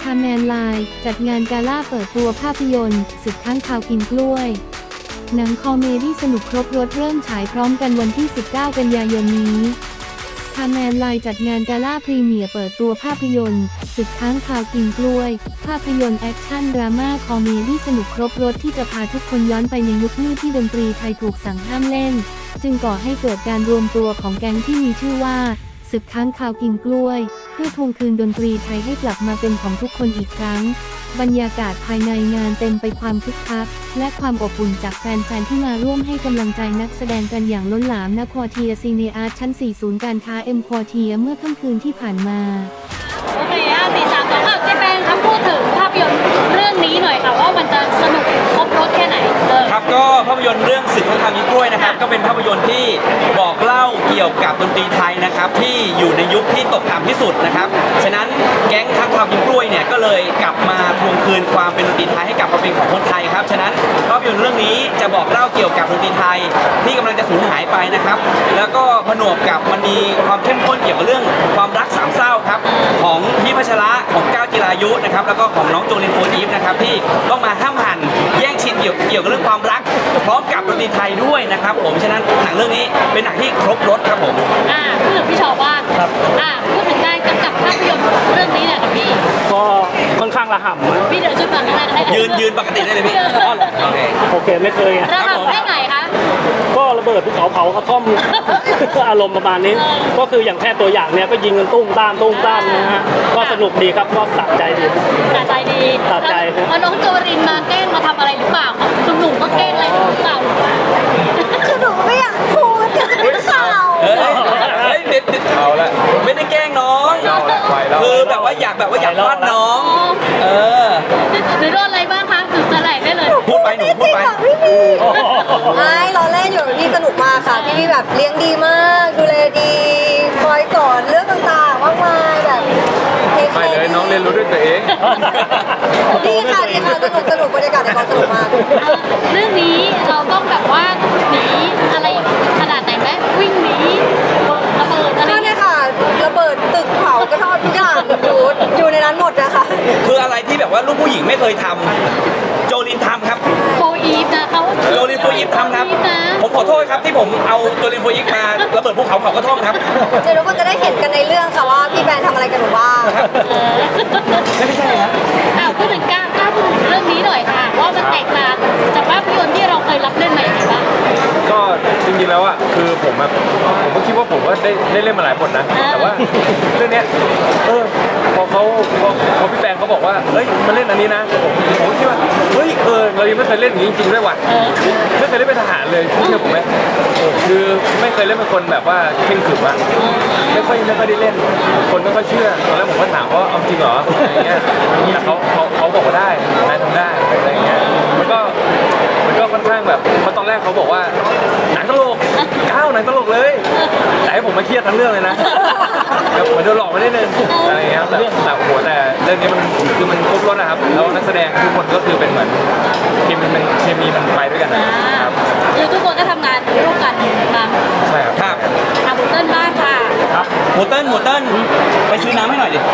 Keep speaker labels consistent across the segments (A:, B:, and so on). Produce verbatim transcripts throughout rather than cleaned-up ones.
A: คาแมนไลน์จัดงานกาล่าเปิดตัวภาพยนตร์ศึกค้างคาวกินกล้วยหนังคอมเมดี้สนุกครบรสเริ่มฉายพร้อมกันวันที่ สิบเก้า กันยายนนี้คาแมนไลน์จัดงานกาล่าพรีเมียร์เปิดตัวภาพยนตร์ศึกค้างคาวกินกล้วยภาพยนตร์แอคชั่นดราม่าคอมเมดี้สนุกครบรสที่จะพาทุกคนย้อนไปในยุคมืดที่ดนตรีไทยถูกสั่งห้ามเล่นจึงก่อให้เกิดการรวมตัวของแก๊งที่มีชื่อว่าศึกค้างคาวกินกล้วยเพื่อทวงคืนดนตรีไทยให้กลับมาเป็นของทุกคนอีกครั้งบรรยากาศภายในงานเต็มไปความคึกคักและความอบอุ่นจากแฟนๆที่มาร่วมให้กำลังใจนักแสดงกันอย่างล้นหลามณควอเทียซีเนอาร์ตชั้น สี่ ศูนย์การค้าเอ็มควอเทียเมื่อค่ำคืนที่ผ่านมา
B: โอเคอ่ะสี่สามสองค่ะเจแปนครับพูดถึงภาพยนตร์เรื่องนี้หน่อยค่ะว่ามันจะสนุกครบรสแค่ไหน
C: ครับก็ภาพยนตร์เรื่องศึกค้างคาวกินกล้วยนะครับก็เป็นภาพยนตร์ที่บอกเล่าเกี่ยวกับดนตรีไทยนะครับที่อยู่ในยุคที่ตกต่ำที่สุดนะครับฉะนั้นแก๊งค้างคาวกินกล้วยเนี่ยก็เลยกลับมาทวงคืนความเป็นดนตรีไทยให้กลับมาเป็นของคนไทยครับฉะนั้นภาพยนตร์เรื่องนี้จะบอกเล่าเกี่ยวกับดนตรีไทยที่กำลังจะสูญหายไปนะครับแล้วก็ผนวกกับมันมีความเข้มข้นเกี่ยวกับเรื่องความรักสามเศร้าครับของพี่พัชระของก้าวจิรายุนะครับแล้วก็ของน้องโจลินโฟอีฟนะครับที่ต้องมาห้ามหันแย่งชิงเกี่ยวเกี่ยวกับเรื่องความรักพร้อมกับดนตรีไทยด้วยนะครับผมฉะนั้นหนังเรื่องนี้เป็นหนังที่ครบรสครับผม
B: อ่าพูดถึงพี่ชอบ้างครับอ่าพูดถึงการกำกับภาพยนตร์เรื่องนี้เนี่ยกับพี่
D: ก็ค่อนข้างระห่ำ
B: พี่เดินชุดก่อนได้ได้
C: ยืนยืนปกติได้เลยพี่โอเค
D: โอเคไม่เคยไง
B: ระห่ำได้ไงคะ
D: ก็ระเบิดภูเขาเผากระท่อมอารมณ์ประมาณนี้ก็คืออย่างแค่ตัวอย่างเนี้ยก็ยิงกันตุ้มตามตุ้มตามนะฮะก็สนุกดีครับก็สะใจดี
B: สะใจดี
D: สะใจ
B: พอน้องโจรินมาแกล้งมาทำอะไรหรือเปล่าหนุ่มๆก็แกล้งอะไรหรือเปล่า
E: คือหนูไม่อยากพูดอยากจะเป็นข่าว
C: เฮ้ยเด็ดเด็ดเอาละไม่ได้แกล้งน้องคือแบบว่าอยากแบบว่าอยากวาดน้องเออ
B: หรือโดนอะไรบ้างคะถึงจะไหลได้เลย
C: พูดไปหนูพูดไป
E: ไม่เราเล่นอยู่พี่สนุกมากค่ะพี่พี่แบบเลี้ยงดีมากดูแลดีคอยสอนเรื่องต่างๆมากมายแบบ
F: ไปเลยน้องเรียนรู้ด้วยตัวเอง
E: ดีค่ะดีค่ะสนุกสนุกบรรยากาศในกองสนุกมาก
B: เรื่องนี้เราต้องแบบว่าหนีอะไรขนาดไหนไหมวิ่งหนีระเบิดอะไร
E: เนี่ยค่ะระเบิดตึกเผากระท่อมทุกอย่างอยู่อยู่ในนั้นหมดนะคะ
C: คืออะไรที่แบบว่าลูกผู้หญิงไม่เคยทำโจลินทำครับ
B: โฟอีฟนะเขา
C: โจลินโฟอีฟทำครับผมขอโทษครับที่ผมเอาโจลินโฟอีฟมาระเบิดภูเขาเผากระท่อมครับ
E: เดี๋ยวทุกคนจะได้เห็นกันในเรื่องค่ะว่าพี่แบนทำอะไรกันหรือว่า
C: ไม่ใช่ครับ
B: อ้าวพูดถึงก้าวก้าวพูดถึงเรื่องนี้หน่อยค่ะว่ามันแตกต่างจากภาพยนตร์ที่เราเคยรับเล่นมาอย่างไรบ้าง
F: ก็จริงๆแล้วอ่ะคือผมแบบผมก็คิดว่าผมก็ได้ได้เล่นมาหลายบทนะแต่ว่าเรื่องเนี้ยเออพอเขาพอพอพี่แปงเขาบอกว่าเฮ้ยมาเล่นอันนี้นะผมผมคิดว่าเฮ้ยเออเรายังไม่เคยเล่นอย่างนี้จริงๆด้วยว่ะไม่เคยเล่นเป็นทหารเลยเชื่อผมไหมคือไม่เคยเล่นเป็นคนแบบว่าเข่งขรึมอะไม่ค่อยไม่ค่อยได้เล่นคนไม่ค่อยเชื่อตอนแรกผมก็ถามว่าเอาจริงเหรออะไรเงี้ยแต่เขาเขาเขาบอกว่าได้นายทำได้อะไรเงี้ยมันก็มันก็ค่อนข้างแบบเพราะตอนแรกเขาบอกว่าหนังตลกก้าวหนังตลกเลยแต่ให้ผมมาเครียดทั้งเรื่องเลยนะแบบเหมือนโดนหลอกมาได้นึงอะไรเงี้ยแต่แต่โหแต่เรื่องนี้มันคือมันครบรสนะครับแล้วนักแสดงทุกคนก็คือเป็นเหมือนเคมีมันเคมีมันไปด้วยกันนะครับ
B: คือทุกคนก็ทำงานร่วมกันมา
F: ใช่ครับ
C: ครับ
B: อาบุเติ้ลบ้างค่ะ
C: ครับหมูเติ้ลหมูเติ้ลไปซื้อน้ำให้หน่อยดิ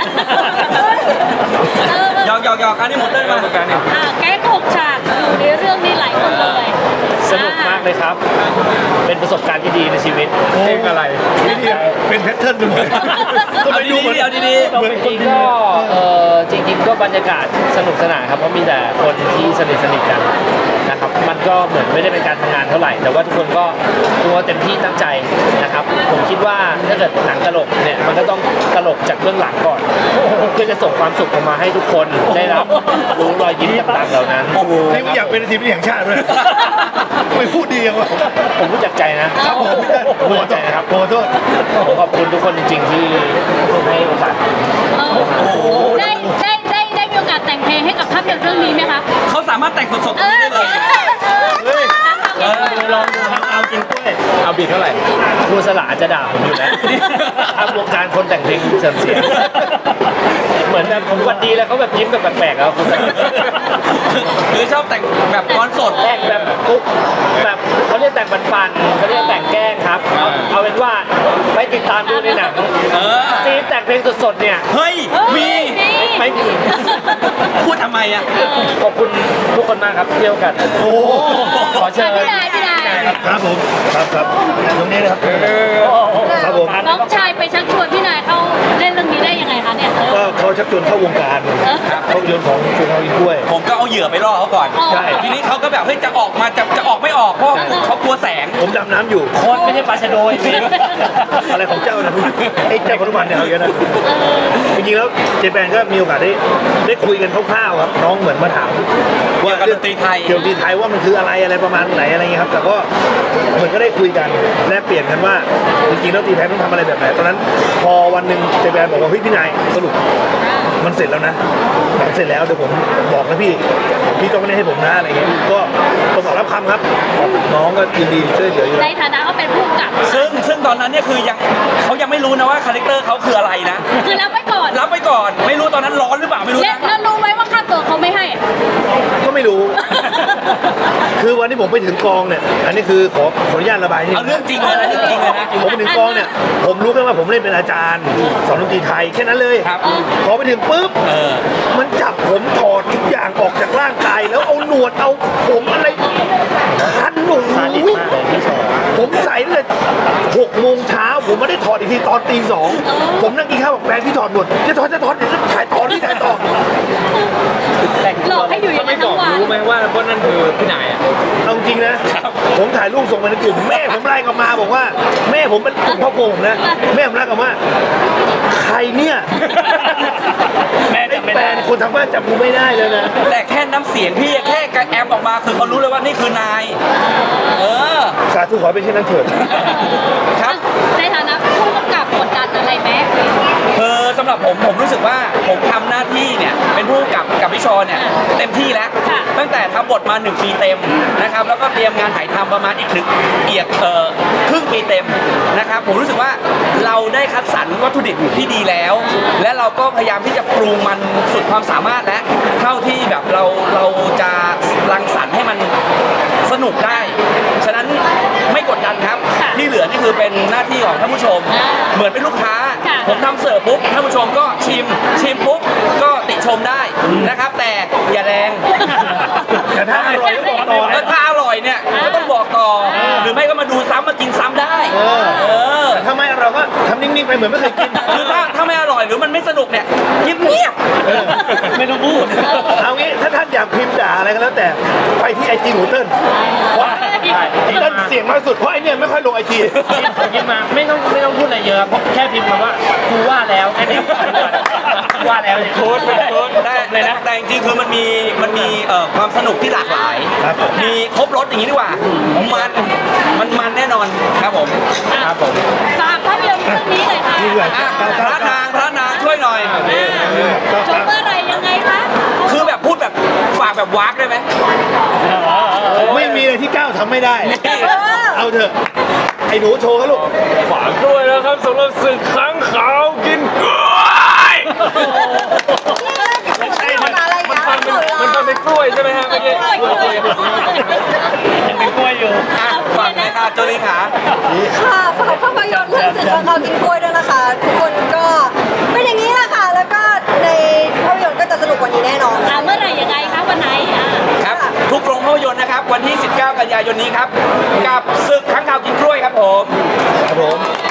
C: หยอกหยอกหยอกอันนี้หมูเติ้ลมา
F: การเนี่ย
B: อ่าแก๊งหกฉากอยู่ในเรื่องนี้หลายคนเลย
D: สนุกมากเลยครับเป็นประสบการณ์ที่ดีในชีวิต
F: เพลงอะไร
D: ไม่ดี
F: เป็นแพทเทิร์นหนึ่ง
C: เอาดีๆเอาดีๆ
D: เหมือนจริงก็เออจริงๆก็บรรยากาศสนุกสนานครับเพราะมีแต่คนที่สนิทสนิทกันนะครับมันก็เหมือนไม่ได้เป็นการทำงานเท่าไหร่แต่ว่าทุกคนก็ตัวเต็มที่ตั้งใจนะครับผมคิดว่าถ้าเกิดหนังตลกเนี่ยมันก็ต้องตลกจากเบื้องหลังก่อนเพื่อจะส่งความสุขออกมาให้ทุกคนได้รับรู้รอยยิ้มต่างๆเหล่านั้น
F: นี่อยากเป็นทีมที่แห่งชาติด้วยไม่พูดดีอย่างวะ
D: ผมรู้จักใจนะครับผมรู้จักใจนะครับ
F: ขอโทษ
D: ผมขอบคุณทุกคนจริงๆที่ให้โอกาส
B: ได้ได้ได้ได้มีโอกาสแต่งเพลงให้กับภาพยนตร์เรื่องนี้ไหมคะ
C: เขาสามารถแต่งสดๆตรงนี้ได้เลย
D: เฮ้ยลองดูครับเอากินกล้วย
F: เอาบีทเท่าไหร่
D: ครูสลาจะด่าผมอยู่แล้วทำวงการคนแต่งเพลงเสื่อมเสียเหมือนแบบผมวันดีแล้วเขาแบบยิ้มแบบแปลกๆแล้วคุณ
C: คือชอบแต่งแบบก้อนสด
D: แต่งแบบปุ๊บแบบเขาเรียกแต่งปันๆเขาเรียกแต่งแกล้งครับเอาเป็นว่าไปติดตามดูในหนังซีนแต่งเพลงสดดเนี่ย
C: เฮ้ย มี
D: ไม่มี
C: พูดทำไมอ่ะ
D: ขอบคุณทุกคนมากครับเที่ยวกัน
C: โอ้
D: ขอเชิญ
B: พี่นายพี่นาย
D: ครับ
G: ครับผมครับครับตรงนี้นะครับครับผม
B: น้องชายไปชักชวนพี่นายเข้าเล่นเรื่องนี้ได้ยังไงคะเนี่ย
G: ก็เขาชักชวนเข้าวงการภาพยนตร์ของคุณเอาอีกด้วย
C: ผมก็เอาเหยื่อไปล่อเขาก่อน
B: ใช่
C: ทีนี้เขาก็แบบเฮ้ยจะออกมาจะจะออกไม่ออกเพราะเขากลัวแสง
G: ผมดำน้ำอยู่
D: โค้ดไม่ใช่ปลาชะโดยสิ
G: อะไรของเจ้านะไอ้เจ้าพนุพันธ์เนี่ยเอาเยอะนะจริงๆแล้วเจแปนก็มีโอกาสได้ได้คุยกันคร่าวๆครับน้องเหมือนมาถาม
C: เกี่ยวกับดนตรีไทย
G: เกี่ยวกับดนตรีไทยว่ามันคืออะไรอะไรประมาณไหนอะไรเงี้ยครับแต่ก็เหมือนก็ได้คุยกันแลกเปลี่ยนกันว่าจริงๆแล้วดนตรีไทยต้องทำอะไรแบบไหนตอนนั้นพอวันหนึ่งเจแปนบอกว่าเฮ้ยพี่นายสรุปมันเสร็จแล้วนะมันเสร็จแล้วเดี๋ยวผมบอกนะพี่พี่ต้องไม่ได้ให้ผมนะอะไรเงี้ยก็ต้องรับคำครับน้องก็ยินดีช่วยเหลืออยู่
B: ใน
G: แล้ว
B: ฐานะเขาเป็นผู้กำกับ
C: ซึ่งซึ่งตอนนั้นเนี่ยคือยังเขายังไม่รู้นะว่าคาแรคเตอร์เขาคืออะไรนะ
B: คือรับไว้ก่อน
C: รับไปก่อนไม่รู้ตอนนั้นร้อนหรือเปล่าไม่รู้
B: และ
C: นะ
B: แล้วรู้ไหมว่าค่าตัวเขาไม่ให้อะ
G: ก็ไม่รู้ คือวันที่ผมไปถึงกองเนี่ย อันนี้คือขอขออนุญาตระบายนิด
C: เอาเรื่องจริงเลยนะเรื่องจริงเลยนะ
G: ผมไปถึงกองเนี่ย ผมรู้แค่ว่าผมเล่นเป็นอาจารย์สอนดนตรีไทยแค่นั้นเลย
C: ครับ
G: พอไปถึงปุ๊บ
C: เออ
G: มันจับผมถอดทุกอย่างออกจากร่างกายแล้วเอาหนวดเอาผมอะไรคันหนูผมใส่ตั้งแต่หกโมงเช้าผมไม่ได้ถอดอีกทีตอนตีสองผมนั่งกินข้าวบอกแฟนที่ถอดหนวดจะถอดจะถอดเดี๋ยวจะถ่ายต่อที่ถ่ายต่อ
B: หลอกให้อยู่อย่าง
F: ไม่
B: นั้น
F: บ
B: ทั้
F: อก
B: งวัน
F: รู้ไหมว่าว่านั่นคือพี่นายอ่ะ
G: เอาจริงนะ ผมถ่ายรูปส่งไปในกลุ่มแม่ผมไล่กลับมาบอกว่า แม่ผมเป็นกลุ่มครอบครัวผมนะ แม่ผมไล่กลับมาใครเนี่ย
D: แม่
G: ไอ้
D: จำไม่
G: แฟ
D: ได้
G: นคนทางบ้านจับกูไม่ได้เลยนะ
C: แต่แค่น้ำเสียงพี่แค่กระแอมออกมาคือเขารู้เลยว่านี่คือนาย เออ
G: สาธุขอเป็นเช่นนั้นเถิด
C: ครับ
B: ในฐานะผู้กำกับกดดันอะไรไหม
C: คือสำหรับผมผมรู้สึกว่าผมทำหน้าที่เนี่ยเป็นผู้กำกับกับพี่ชอเนี่ยเต็มที่แล้ว ตั้งแต่ทำบทมาหนึ่งปีเต็มนะครับแล้วก็เตรียมงานถ่ายทำประมาณอีกหนึ่งเอียกเอ่อครึ่งปีเต็มนะครับผมรู้สึกว่าเราได้คัดสรรวัตถุดิบที่ดีแล้ว และเราก็พยายามที่จะปรุงมันสุดความสามารถและเท่าที่แบบเราเราจะรังสรรค์ให้มันสนุกได้ ฉะนั้นไม่กดดันครับ ที่เหลือนี่คือเป็นหน้าที่ของท่านผู้ชม เหมือนเป็นลูกค้า ผมทำเสิร์ฟปุ๊บท่านผู้ชมก็ชิมชิมปุ๊บก็ติชมได้นะครับ แต่อย่าแรง
G: แต่ถ้าอร่อยก็บอกต่อ
C: แล้
G: นะ
C: วถ้าอร่อยเนี่ยก็ต้องบอกต่อ หรือไม่ก็มาดูซ้ำมากินซ้ำได้
G: เออ
C: เออ
G: ถ้าไม่อร่อยก็ทำนิ่งๆไปเหมือนไม่เคยกิน
C: คือถ้าถ้าไม่อร่อยหรือมันไม่สนุกเนี่ยเงียบๆไม่ต้องพูด
G: เอางี้ถ้าท่านอยากพิมพ์ด่าอะไรก็แล้วแต่ไปที่ไอจีหนูเติ้ลเพราะไอเติ้ลเสียงน้อยสุดเพราะไอเนี่ยไม่ค่อยลงไอจี
D: พิมพ์มาไม่ต้องไม่ต้องพูดอะไรเยอะเพราะแค่พิมพ์มาว่ากูว่าแล้วแค่นี้ว่าแล้วเนี่ย
C: โค้ดเป็นโค้ดได้เลยนะแต่จริงๆคือมันมีมันมีเอ่อความสนุกที่หลากหลาย
G: ครับ
C: มีครบรถอย่างนี้ดีกว่า มันมันมันแน่นอนครับผม
D: ครับผม
B: ฝากภาพยนตร์เรื่องนี้เลยค่ะ
G: นี่แหละ
C: อ่ะพระนางพระนางช่วยหน่อย
B: ชมเมื่อไหรยังไงคะ
C: คือแบบพูดแบบฝากแบบวากได้ไหม
G: ไม่มีอะไรที่ก้าวทำไม่ได้ เอาเถอะ ไอ้หนูโชว์เขาลูก
F: ฝากด้วยนะครับสำหรับศึกค้างขาวกินกล้วย
E: ไม่ใช่มันอะไร
F: มัน
E: นะ
F: ฟังเป็นมันฟังเป็นกล้วยใช่ไหมฮะเมื่อกี้
D: ยังเป็นกล้วยอยู่
C: อ่ะฝากเลยค่ะโจลีขา
E: ค่ะฝากภาพยนตร์เรื่องสื่อของเขากินกล้วยด้วยนะคะ ทุกคนก็เป็นอย่างนี้แหละค่ะ แล้วก็ในภาพยนตร์ก็จะสนุกกว่านี้แน่นอน
B: อ่าเมื่อไหรยังไงคะวันไหนอ่า
C: ครับ ทุกโรงภาพยนตร์นะครับ วันที่ สิบเก้า กันยายนนี้ครับ กับศึกค้างคาวกินกล้วยครับผม
G: ครับผม